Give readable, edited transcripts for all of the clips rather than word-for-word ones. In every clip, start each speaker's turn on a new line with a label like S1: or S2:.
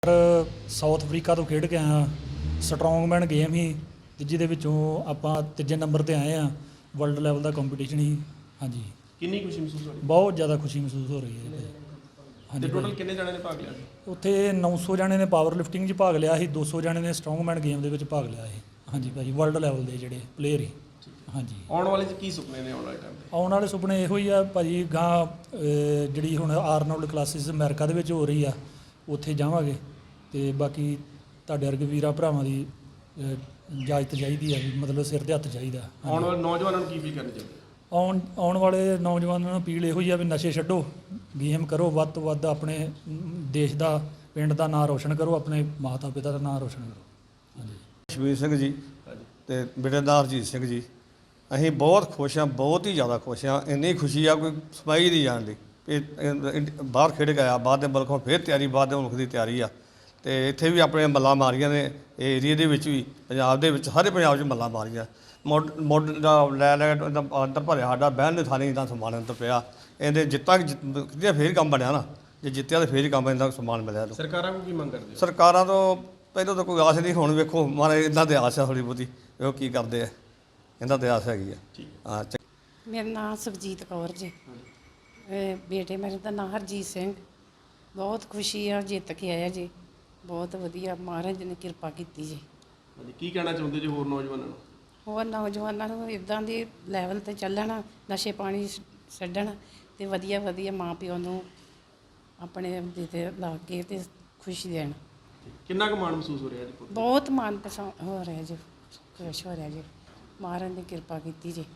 S1: South Africa ਤੋਂ ਖੇਡ ਕੇ ਆਇਆ। ਸਟਰੋਂਗਮੈਨ ਗੇਮ ਹੀ ਤੇ ਜਿਹਦੇ ਵਿੱਚੋਂ ਆਪਾਂ ਤੀਜੇ ਨੰਬਰ ਤੇ ਆਏ ਆ। ਵਰਲਡ ਲੈਵਲ ਦਾ ਕੰਪੀਟੀਸ਼ਨ ਹੀ। ਹਾਂਜੀ,
S2: ਕਿੰਨੀ ਖੁਸ਼ੀ ਮਹਿਸੂਸ ਹੋ ਰਹੀ
S1: ਬਹੁਤ ਜ਼ਿਆਦਾ ਖੁਸ਼ੀ ਮਹਿਸੂਸ ਹੋ ਰਹੀ ਹੈ।
S2: ਹੈ?
S1: ਹਾਂਜੀ
S2: ਤੇ ਟੋਟਲ ਕਿੰਨੇ ਜਣਿਆਂ ਨੇ ਭਾਗ ਲਿਆ ਸੀ?
S1: ਉੱਥੇ 900 ਜਣੇ ਨੇ ਪਾਵਰ ਲਿਫਟਿੰਗ 'ਚ ਭਾਗ ਲਿਆ ਸੀ, 200 ਜਣੇ ਨੇ ਸਟਰੋਂਗਮੈਨ ਗੇਮ ਦੇ ਵਿੱਚ ਭਾਗ ਲਿਆ ਸੀ। ਹਾਂਜੀ ਭਾਜੀ, ਵਰਲਡ ਲੈਵਲ ਦੇ ਜਿਹੜੇ ਪਲੇਅਰ ਹੀ। ਹਾਂਜੀ,
S2: ਆਉਣ ਵਾਲੇ 'ਚ ਕੀ ਸੁਪਨੇ ਨੇ ਆਉਣ ਵਾਲੇ ਟਾਈਮ ਤੇ?
S1: ਆਉਣ ਵਾਲੇ ਸੁਪਨੇ ਇਹੋ ਹੀ ਆ ਭਾਜੀ। ਗਾਂ ਜਿਹੜੀ ਹੁਣ ਆਰਨੋਲਡ ਕਲਾਸਿਸ ਅਮਰੀਕਾ ਦੇ ਵਿੱਚ ਹੋ ਰਹੀ ਆ, ਉੱਥੇ ਜਾਵਾਂਗੇ। ਤੇ ਬਾਕੀ ਤੁਹਾਡੇ ਵਰਗੇ ਵੀਰਾਂ ਭਰਾਵਾਂ ਦੀ ਇਜਾਜ਼ਤ ਚਾਹੀਦੀ ਆ, ਵੀ ਮਤਲਬ ਸਿਰ ਤੇ ਹੱਥ ਚਾਹੀਦਾ।
S2: ਆਉਣ ਵਾਲੇ ਨੌਜਵਾਨਾਂ ਨੂੰ ਕੀ ਵੀ ਕਰਨੀ ਚਾਹੀਦੀ?
S1: ਆਉਣ ਵਾਲੇ ਨੌਜਵਾਨਾਂ ਨੂੰ ਅਪੀਲ ਇਹੋ ਹੀ ਆ ਵੀ ਨਸ਼ੇ ਛੱਡੋ, ਗੇਮ ਕਰੋ, ਵੱਧ ਤੋਂ ਵੱਧ ਆਪਣੇ ਦੇਸ਼ ਦਾ, ਪਿੰਡ ਦਾ ਨਾਂ ਰੋਸ਼ਨ ਕਰੋ, ਆਪਣੇ ਮਾਤਾ ਪਿਤਾ ਦਾ ਨਾਂ ਰੋਸ਼ਨ ਕਰੋ। ਹਾਂਜੀ,
S3: ਸ਼ਬੀਰ ਸਿੰਘ ਜੀ ਤੇ ਬੇਟੇਦਾਰ ਹਰਜੀਤ ਸਿੰਘ ਜੀ। ਅਸੀਂ ਬਹੁਤ ਖੁਸ਼ ਹਾਂ, ਬਹੁਤ ਹੀ ਜ਼ਿਆਦਾ ਖੁਸ਼ ਹਾਂ। ਇੰਨੀ ਖੁਸ਼ੀ ਆ ਕੋਈ ਸਮਾਈ ਨਹੀਂ ਜਾਣ ਦੀ। ਬਾਹਰ ਖੇਡ ਕੇ ਆਇਆ, ਬਾਹਰ ਦੇ ਮੁਲਕੋਂ ਫਿਰ ਤਿਆਰੀ, ਬਾਹਰ ਦੇ ਮੁਲਕ ਦੀ ਤਿਆਰੀ ਆ। ਤੇ ਇੱਥੇ ਵੀ ਆਪਣੇ ਮੱਲਾਂ ਮਾਰੀਆਂ ਨੇ, ਇਹ ਏਰੀਏ ਦੇ ਵਿੱਚ ਵੀ, ਪੰਜਾਬ ਦੇ ਵਿੱਚ, ਸਾਰੇ ਪੰਜਾਬ 'ਚ ਮੱਲਾਂ ਮਾਰੀਆਂ। ਮੋਢ ਦਾ ਲੈ ਅੰਦਰ ਭਰਿਆ, ਸਾਡਾ ਬਹਿਣ ਦੇ ਥਾਂ ਦਾ ਸਮਾਨ ਅੰਦਰ ਪਿਆ। ਇਹਦੇ ਜਿੱਤਿਆ ਫੇਰ ਕੰਮ ਬਣਿਆ ਨਾ। ਜੇ ਜਿੱਤਿਆ ਤਾਂ ਫੇਰ ਹੀ ਕੰਮ ਇਹਦਾ ਸਮਾਨ ਮਿਲਿਆ।
S2: ਸਰਕਾਰਾਂ ਨੂੰ ਕੀ ਮੰਗ ਕਰਦੇ ਹੋ?
S3: ਸਰਕਾਰਾਂ ਤੋਂ ਪਹਿਲਾਂ ਤਾਂ ਕੋਈ ਆਸ ਨਹੀਂ, ਹੁਣ ਵੇਖੋ ਮਾਰੇ ਇੱਦਾਂ ਦੇ ਆਸ ਆ ਥੋੜ੍ਹੀ ਬਹੁਤੀ, ਉਹ ਕੀ ਕਰਦੇ ਆ, ਇਹਨਾਂ ਤੇ ਆਸ ਹੈਗੀ ਆ। ਹਾਂ।
S4: ਮੇਰਾ ਨਾਮ ਸੁਖਜੀਤ ਕੌਰ ਜੀ। ਬੇਟੇ ਮੇਰੇ ਦਾ ਨਾਮ ਹਰਜੀਤ ਸਿੰਘ। ਬਹੁਤ ਖੁਸ਼ੀ ਆ, ਜਿੱਤ ਕੇ ਆਇਆ ਜੀ। ਬਹੁਤ ਵਧੀਆ, ਮਹਾਰਾਜ ਨੇ ਕਿਰਪਾ ਕੀਤੀ ਜੀ।
S2: ਹਾਂਜੀ, ਕੀ ਕਹਿਣਾ ਚਾਹੁੰਦੇ ਜੀ ਹੋਰ ਨੌਜਵਾਨਾਂ ਨੂੰ?
S4: ਹੋਰ ਨੌਜਵਾਨਾਂ ਨੂੰ ਇੱਦਾਂ ਦੇ ਲੈਵਲ 'ਤੇ ਚੱਲਣ, ਨਸ਼ੇ ਪਾਣੀ ਛੱਡਣ ਅਤੇ ਵਧੀਆ ਵਧੀਆ ਮਾਂ ਪਿਓ ਨੂੰ ਆਪਣੇ ਦੇ 'ਤੇ ਲਾ ਕੇ ਅਤੇ ਖੁਸ਼ੀ ਦੇਣ।
S2: ਕਿੰਨਾ ਕੁ ਮਾਣ ਮਹਿਸੂਸ ਹੋ ਰਿਹਾ ਜੀ?
S4: ਬਹੁਤ ਮਨ ਪਸੰਦ ਹੋ ਰਿਹਾ ਜੀ, ਖੁਸ਼ ਹੋ ਰਿਹਾ ਜੀ। ਮਹਾਰਾਜ ਨੇ ਕਿਰਪਾ ਕੀਤੀ ਜੀ।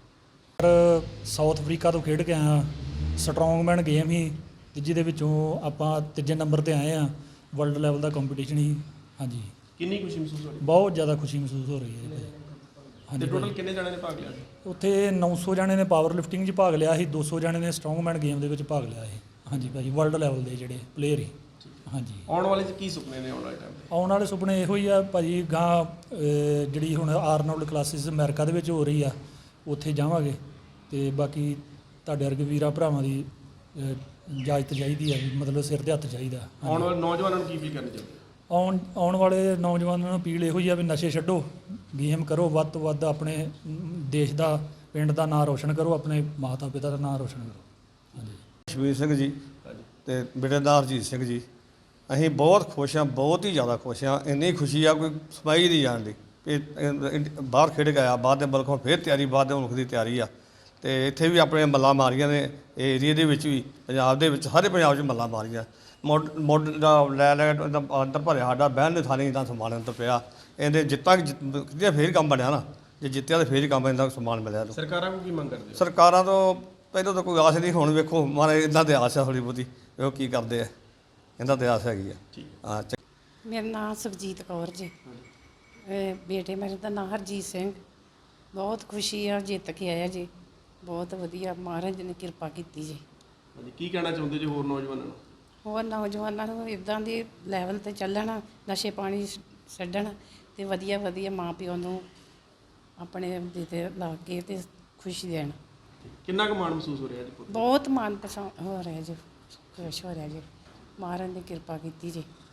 S1: ਸਾਊਥ ਅਫਰੀਕਾ ਤੋਂ ਖੇਡ ਕੇ ਆਇਆ। ਸਟਰੋਂਗਮੈਨ ਗੇਮ ਹੀ ਤੇ ਜਿਹਦੇ ਵਿੱਚੋਂ ਆਪਾਂ ਤੀਜੇ ਨੰਬਰ ਤੇ ਆਏ ਆ। ਵਰਲਡ ਲੈਵਲ ਦਾ ਕੰਪੀਟੀਸ਼ਨ ਹੀ। ਹਾਂਜੀ,
S2: ਕਿੰਨੀ ਖੁਸ਼ੀ ਮਹਿਸੂਸ ਹੋ ਰਹੀ
S1: ਬਹੁਤ ਜ਼ਿਆਦਾ ਖੁਸ਼ੀ ਮਹਿਸੂਸ ਹੋ ਰਹੀ ਹੈ।
S2: ਹੈ?
S1: ਹਾਂਜੀ,
S2: ਤੇ ਟੋਟਲ ਕਿੰਨੇ ਜਣਿਆਂ ਨੇ ਭਾਗ ਲਿਆ ਸੀ?
S1: ਉੱਥੇ 900 ਜਣੇ ਨੇ ਪਾਵਰ ਲਿਫਟਿੰਗ 'ਚ ਭਾਗ ਲਿਆ ਸੀ, 200 ਜਣੇ ਨੇ ਸਟਰੋਂਗਮੈਨ ਗੇਮ ਦੇ ਵਿੱਚ ਭਾਗ ਲਿਆ ਸੀ। ਹਾਂਜੀ ਭਾਜੀ, ਵਰਲਡ ਲੈਵਲ ਦੇ ਜਿਹੜੇ ਪਲੇਅਰ ਹੀ। ਹਾਂਜੀ,
S2: ਆਉਣ ਵਾਲੇ 'ਚ ਕੀ ਸੁਪਨੇ ਨੇ ਆਉਣ ਵਾਲੇ ਟਾਈਮ ਤੇ?
S1: ਆਉਣ ਵਾਲੇ ਸੁਪਨੇ ਇਹੋ ਹੀ ਆ ਭਾਜੀ। ਗਾਂ ਜਿਹੜੀ ਹੁਣ ਆਰਨੋਲਡ ਕਲਾਸਿਸ ਅਮਰੀਕਾ ਦੇ ਵਿੱਚ ਹੋ ਰਹੀ ਆ, ਉੱਥੇ ਜਾਵਾਂਗੇ। ਤੇ ਬਾਕੀ ਤੁਹਾਡੇ ਵਰਗੇ ਵੀਰਾਂ ਭਰਾਵਾਂ ਦੀ ਇਜਾਜ਼ਤ ਚਾਹੀਦੀ ਆ, ਵੀ ਮਤਲਬ ਸਿਰ ਤੇ ਹੱਥ ਚਾਹੀਦਾ।
S2: ਆਉਣ ਵਾਲੇ ਨੌਜਵਾਨਾਂ ਨੂੰ ਕੀ ਵੀ ਕਰਨੀ ਚਾਹੀਦੀ?
S1: ਆਉਣ ਵਾਲੇ ਨੌਜਵਾਨਾਂ ਨੂੰ ਅਪੀਲ ਇਹੋ ਹੀ ਆ ਵੀ ਨਸ਼ੇ ਛੱਡੋ, ਗੇਮ ਕਰੋ, ਵੱਧ ਤੋਂ ਵੱਧ ਆਪਣੇ ਦੇਸ਼ ਦਾ, ਪਿੰਡ ਦਾ ਨਾਂ ਰੋਸ਼ਨ ਕਰੋ, ਆਪਣੇ ਮਾਤਾ ਪਿਤਾ ਦਾ ਨਾਂ ਰੋਸ਼ਨ ਕਰੋ। ਹਾਂਜੀ,
S3: ਸ਼ਬੀਰ ਸਿੰਘ ਜੀ ਤੇ ਬੇਟੇਦਾਰ ਹਰਜੀਤ ਸਿੰਘ ਜੀ। ਅਸੀਂ ਬਹੁਤ ਖੁਸ਼ ਹਾਂ, ਬਹੁਤ ਹੀ ਜ਼ਿਆਦਾ ਖੁਸ਼ ਹਾਂ। ਇੰਨੀ ਖੁਸ਼ੀ ਆ ਕੋਈ ਸਮਾਈ ਨਹੀਂ ਜਾਣ ਦੀ। ਬਾਹਰ ਖੇਡ ਕੇ ਆਇਆ, ਬਾਹਰ ਦੇ ਮੁਲਕੋਂ ਫਿਰ ਤਿਆਰੀ, ਬਾਹਰ ਦੇ ਮੁਲਕ ਦੀ ਤਿਆਰੀ ਆ। ਤੇ ਇੱਥੇ ਵੀ ਆਪਣੇ ਮੱਲਾਂ ਮਾਰੀਆਂ ਨੇ, ਇਹ ਏਰੀਏ ਦੇ ਵਿੱਚ ਵੀ, ਪੰਜਾਬ ਦੇ ਵਿੱਚ, ਸਾਰੇ ਪੰਜਾਬ 'ਚ ਮੱਲਾਂ ਮਾਰੀਆਂ। ਮੋਢ ਦਾ ਲੈ ਅੰਦਰ ਭਰਿਆ, ਸਾਡਾ ਬਹਿਣ ਦੇ ਥਾਂ ਦਾ ਸਮਾਨ ਅੰਦਰ ਪਿਆ। ਇਹਦੇ ਜਿੱਤਿਆ ਫੇਰ ਕੰਮ ਬਣਿਆ ਨਾ। ਜੇ ਜਿੱਤਿਆ ਤਾਂ ਫੇਰ ਹੀ ਕੰਮ ਇਹਦਾ ਸਮਾਨ ਮਿਲਿਆ।
S2: ਸਰਕਾਰਾਂ ਨੂੰ ਕੀ ਮੰਗ ਕਰਦੇ ਹੋ?
S3: ਸਰਕਾਰਾਂ ਤੋਂ ਪਹਿਲਾਂ ਤਾਂ ਕੋਈ ਆਸ ਨਹੀਂ, ਹੁਣ ਵੇਖੋ ਮਾਰੇ ਇੱਦਾਂ ਦੇ ਆਸ ਆ ਥੋੜ੍ਹੀ ਬਹੁਤੀ, ਉਹ ਕੀ ਕਰਦੇ ਆ, ਇਹਨਾਂ ਤੇ ਆਸ ਹੈਗੀ ਆ। ਹਾਂ।
S4: ਮੇਰਾ ਨਾਮ ਸੁਖਜੀਤ ਕੌਰ ਜੀ। ਬੇਟੇ ਮੇਰੇ ਦਾ ਨਾਮ ਹਰਜੀਤ ਸਿੰਘ। ਬਹੁਤ ਖੁਸ਼ੀ ਆ, ਜਿੱਤ ਕੇ ਆਇਆ ਜੀ। ਬਹੁਤ ਵਧੀਆ, ਮਹਾਰਾਜ ਨੇ ਕਿਰਪਾ ਕੀਤੀ ਜੀ।
S2: ਹਾਂਜੀ, ਕੀ ਕਹਿਣਾ ਚਾਹੁੰਦੇ ਜੀ ਹੋਰ ਨੌਜਵਾਨਾਂ ਨੂੰ?
S4: ਹੋਰ ਨੌਜਵਾਨਾਂ ਨੂੰ ਇੱਦਾਂ ਦੇ ਲੈਵਲ 'ਤੇ ਚੱਲਣ, ਨਸ਼ੇ ਪਾਣੀ ਛੱਡਣ ਅਤੇ ਵਧੀਆ ਵਧੀਆ ਮਾਂ ਪਿਓ ਨੂੰ ਆਪਣੇ ਦੇ 'ਤੇ ਲਾ ਕੇ ਅਤੇ ਖੁਸ਼ੀ ਦੇਣ।
S2: ਕਿੰਨਾ ਕੁ ਮਾਣ ਮਹਿਸੂਸ ਹੋ ਰਿਹਾ ਜੀ?
S4: ਬਹੁਤ ਮਨ ਪਸੰਦ ਹੋ ਰਿਹਾ ਜੀ, ਖੁਸ਼ ਹੋ ਰਿਹਾ ਜੀ। ਮਹਾਰਾਜ ਨੇ ਕਿਰਪਾ ਕੀਤੀ ਜੀ।